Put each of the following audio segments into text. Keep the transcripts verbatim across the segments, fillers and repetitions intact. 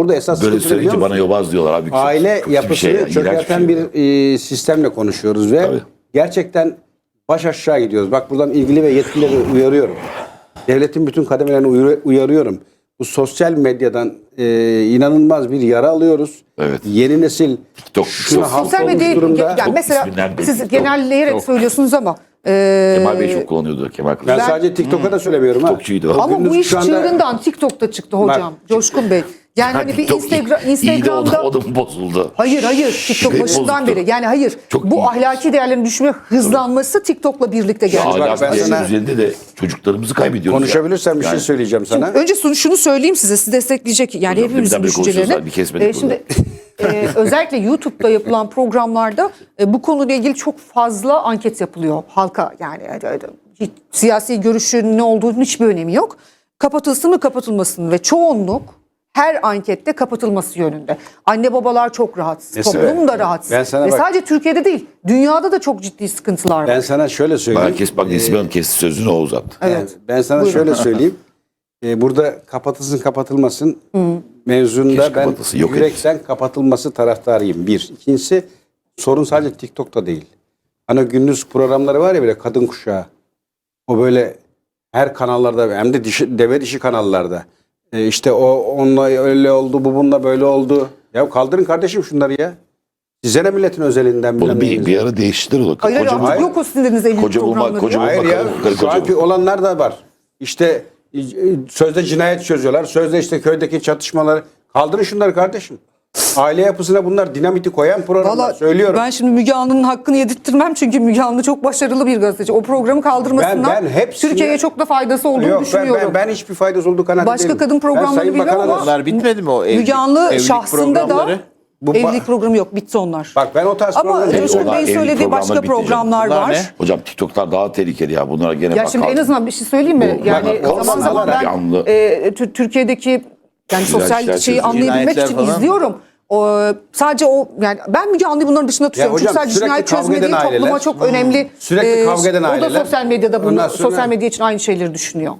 burada esas Böyle sıkıntı ne biliyor söyleyince bana musun? yobaz diyorlar abi. Aile Çok- çok yapısını bir şey ya, iğrenç çökerten bir, bir, şey. e, sistemle konuşuyoruz ve Tabii. gerçekten baş aşağı gidiyoruz. Bak buradan ilgili ve yetkilileri uyarıyorum. Devletin bütün kademelerini uyar- uyarıyorum. Bu sosyal medyadan e, inanılmaz bir yara alıyoruz. Evet. Yeni nesil TikTok, şuna çok- hasta Sosyal olmuş medyayı durumda. yani Çok mesela isminden belli. siz Çok, genelleyerek çok. söylüyorsunuz ama e, Kemal Bey çok kullanıyordu. Kemal Kılıç. Ben, Ben- sadece TikTok'a da söylemiyorum. ha. TikTokçuydu o. O ama bu gündüz iş şu anda- çığırından TikTok'ta çıktı hocam. Bak, Coşkun Bey. Yani hani bir TikTok Instagram, iyi- iyi de o da, Instagram'da o da mı bozuldu? hayır hayır TikTok Şey başından bozuktu. beri yani hayır Çok bu iyi. ahlaki değerlerin düşme hızlanması TikTok'la birlikte geldi. bak, Ahlak ben değerinin sana- üzerinde de çocuklarımızı kaybediyoruz. Konuşabilirsem bir ya. şey Yani söyleyeceğim sana. Önce şunu, şunu söyleyeyim size, sizi destekleyecek yani Hocam, hepimizin birden beri düşüncelerini. konuşuyoruz, bir kesmedik Ee, şimdi e, özellikle YouTube'da yapılan programlarda e, bu konuyla ilgili çok fazla anket yapılıyor halka yani e, e, hiç, siyasi görüşün ne olduğunun hiçbir önemi yok. Kapatılsın mı kapatılmasın mı ve çoğunluk her ankette kapatılması yönünde. Anne babalar çok rahatsız, Mesela, toplum da rahatsız. ben sana Ve bak- sadece Türkiye'de değil, dünyada da çok ciddi sıkıntılar var. Ben sana şöyle söyleyeyim. Herkes bak Nesibe Hanım kesti sözünü o uzattı. Evet. Ben sana Buyurun. şöyle söyleyeyim. Ee, burada kapatılsın kapatılmasın mevzunda Keşke ben kapatılsın, yok yürekten kapatılması taraftarıyım. Bir. İkincisi sorun sadece TikTok'ta değil. Hani gündüz programları var ya böyle kadın kuşağı. O böyle her kanallarda hem de dişi, deve dişi kanallarda. Ee, işte o onunla öyle oldu, bu bununla böyle oldu. Ya kaldırın kardeşim şunları ya. Size ne milletin özelinden Bunu bilmem bir, neyiniz. bir ara değiştirir o. Hayır hayır Koca artık bulma- yok o sizin dediğiniz evlilik koca bulma- programları. koca bulma- Hayır ya. Bakalım, karı Şu koca anki bu. olanlar da var. İşte e, sözde cinayet çözüyorlar. Sözde işte köydeki çatışmaları. Kaldırın şunları kardeşim. Aile yapısına bunlar dinamiti koyan programlar. Valla Söylüyorum. ben şimdi Müge Anlı'nın hakkını yedirttirmem çünkü Müge Anlı çok başarılı bir gazeteci. O programı kaldırmasından Ben- ben hepsini- Türkiye'ye çok da faydası olduğunu Yok ben, düşünüyorum. ben, ben hiçbir faydası olduğu kanaatindeyim. Başka kadın Ben programları Sayın biliyorum Bakan'a da- ama Onlar bitmedi mi o evlilik, Müge Anlı evlilik şahsında da programları? Bu ba- evlilik programı yok. Bitti onlar. Bak ben o tarz Ama programları- Coşkun Onlar Bey'in evlilik söylediği başka programları bitti canım. programlar Bunlar var. ne? Hocam TikTok'lar daha tehlikeli ya. Bunlara gene Ya bak. şimdi en kaldı. azından bir şey söyleyeyim mi? Bu- Yani bak, zaman kalsın zaman bir ben anlı. e, Tü- Türkiye'deki yani sosyal işler şeyi çözüyor. anlayabilmek Cinayetler için falan. izliyorum. O, sadece o yani ben Müge Anlı'yı bunların dışında tutuyorum. hocam, Çünkü sadece sürekli cinayet kavga çözme değil eden topluma aileler, çok önemli. sürekli kavga eden O da aileler, sosyal medyada bunu, ondan sonra- sosyal medya için aynı şeyleri düşünüyor.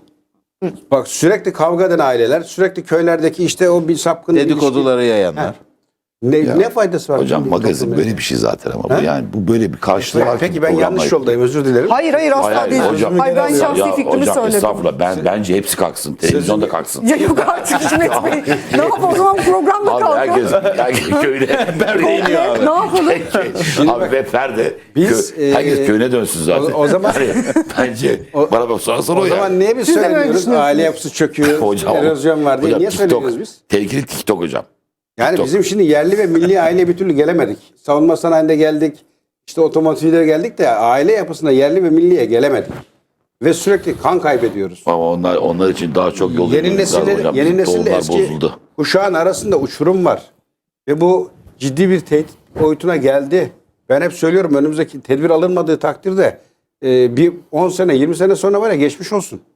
Bak sürekli kavga eden aileler, sürekli köylerdeki işte o bir sapkın Dedikoduları ilişki. yayanlar. Ne, ne faydası var? Hocam bunun magazin topluma? böyle bir şey zaten ama bu yani bu böyle bir karşılığı var. Peki ki ben yanlış programlar- yoldayım özür dilerim. Hayır hayır asla Hayır, hayır, değil. hocam. Hayır ben şahsi Ya fikrimi hocam, söyledim. estağfurullah. Ben, bence hepsi kalksın. Televizyon da kalksın. Ya yok artık Hikmet Bey. Ne yapalım o zaman programda Abi kalkalım. herkes, herkes köyüne perde iniyor abi. Ne yapalım? Abi ve perde. Biz, Kö- herkes e, köyüne dönsün zaten. o- o zaman- Yani bence bana bak sonra sonra o, O ya. zaman niye biz Siz de böyle söylemiyoruz? düşünüyorsunuz. Aile yapısı çöküyor, Hocam, erozyon var diye. hocam, Niye TikTok, söylemiyoruz biz? Tehlikeli TikTok hocam. Yani TikTok. bizim şimdi yerli ve milli aile bir türlü gelemedik. Savunma sanayinde geldik. İşte otomotivlere geldik de aile yapısına yerli ve milliye gelemedik. Ve sürekli kan kaybediyoruz. Ama onlar onlar için daha çok yol Yeni yürümemiz lazım nesille, hocam. yeni Bizim nesille tohumlar eski bozuldu. kuşağın arasında uçurum var. Ve bu ciddi bir tehdit boyutuna geldi. Ben hep söylüyorum önümüzdeki tedbir alınmadığı takdirde e, bir on sene yirmi sene sonra var ya geçmiş olsun.